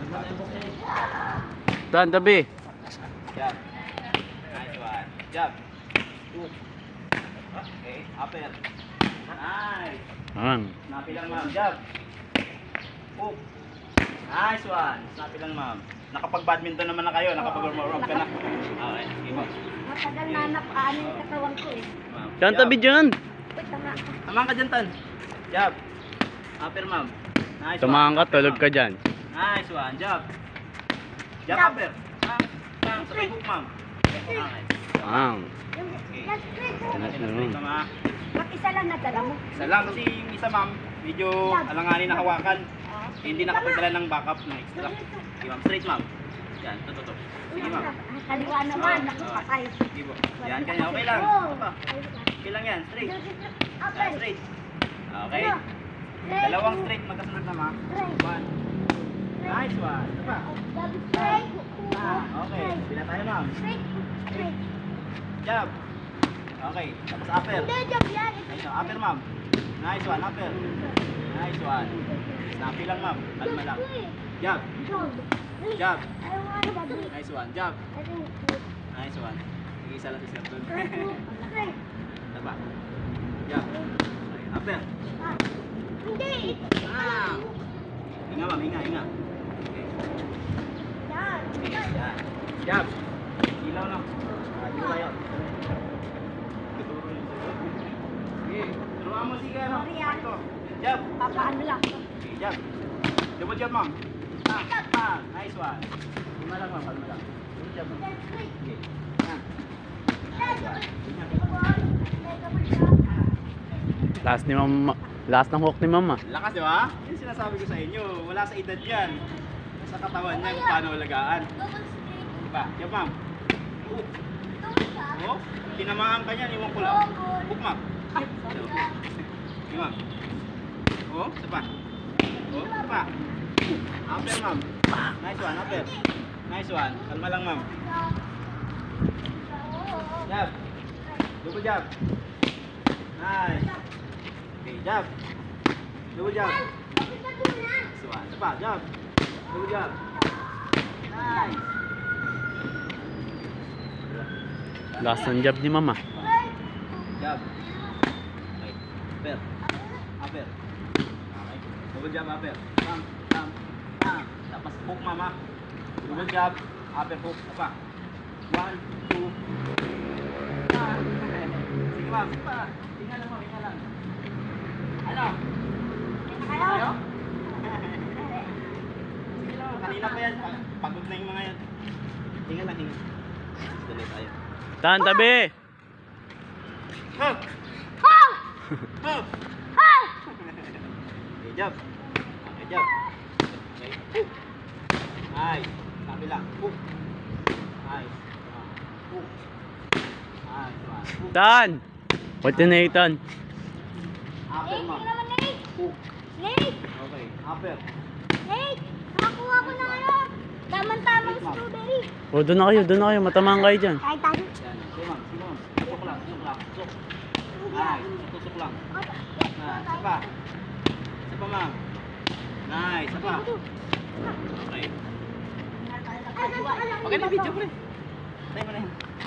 Dan, tabi. Jab. Nice one. Jab. Hook. Okay, upper. Nice. Snappy lang, ma'am. Jab. Hook. Nice one. Snappy lang, ma'am. Nakapag-badminton naman na kayo. Nakapag-warm-up ka na. Okay, sige mo. Matagal na napaan yung katawan ko eh. Ma'am. Dan, tabi dyan. Uy, tama. Tamahan ka dyan, Tan. Jab. Upper, ma'am. Nice Tumahan one. ka, Upper, tulog ma'am. ka dyan. Nice one. Jab. Jab, Jab. upper. Tang, sabay hook, ma'am. Okay. Last straight. Straight, ma'am, ha? Mag-isa lang nadala mo. Isa lang kasi yung isa, ma'am, medyo alanganin na hawakan. Hindi nakapagdala ng backup ng extra. Sige, ma'am. Straight, ma'am. Yan, tututok. Sige, ma'am. Kaliwa naman, nakapatay. Sige po. Yan, kanya. Okay lang. Apa. Okay lang yan. Straight. Yan, straight. Okay. Dalawang straight magkasunod na, ma'am. One. Nice one. Apa. Straight. Okay. Bila tayo, ma'am. Straight. Straight. Jab. Okay. Tapos upper. Hindi, job yan. Nice one. Upper, ma'am. Nice one. Upper. Nice one. Snappy lang, ma'am. Kalma lang. Jab. Jab. I want to be. Nice one. Jab. I think. Nice one. Sige, isa lang si Sir Don. Straight. Taba. Jab. Okay. Upper. Hindi. Ah. Hinga, ma'am. Hinga, hinga. Okay. Yan. Yan. Jab. Ilaw na. Adiyo tayo. Sige. Turuan mo sige, ano? Sorry, ah. Ito. Jab. Papaano lang. Okay, jab. Double jab, ma'am. Nice one. Kalma lang, ma'am. Kalma lang. Double jab, ma'am. Okay. Yan. Nice one. Last ni mama. Last ng hook ni mama. Lakas, di ba? Yan sinasabi ko sa inyo. Wala sa edad yan. Sa katawan niya kung paano alagaan. Diba? Jab, ma'am. Hook. Oh, tinamaan ka niyan. Iwan ko lang. Hook, ma'am. Sige, ma'am. Oh, isa pa. Oh, isa pa. Upper, ma'am. Nice one, upper. Nice one. Kalma lang, ma'am. Jab. Double jab. Nice. Okay, jab. Double jab. Nice one. Isa pa, jab. Double jab. Nice. Last ng job ni mama. Jab. Okay. Upper. Upper. Okay. Double jab, upper. Bam, bam, bam. Tapos hook, mama. Double jab. Upper hook. Apa? 1, 2. Sige, ma'am. Sige pa. Hinga lang, ma'am. Hinga lang. Ano? Ano? Sige lang. Kanina pa yan. Pagod na yung mga yan. Hinga lang, hinga. Tuloy tayo. Dan, tabi. Hook! How? Hook! How? Okay, jab. Okay, jab. Okay, hook. Nice. Sabi lang. Hook. Nice. Hook. Nice. Hook. Dan. Pati na Ethan. Upper, Nate, ma'am. hindi naman Nate. Hook. Nate, Okay, upper. Nate, nakakuha ko ng ano. Tamang-tamang strawberry. O, doon na kayo, doon na kayo. Matamaan kayo dyan. Kahit tayo. Yan. Sige, ma'am. Sige, ma'am. Tusok lang. Tusok lang. Tusok. Nice. Tusok lang. Nice. Isa pa. Isa pa, ma'am. Nice. Isa pa. Okay. Okay na, video, pre. Tayo mo na yan.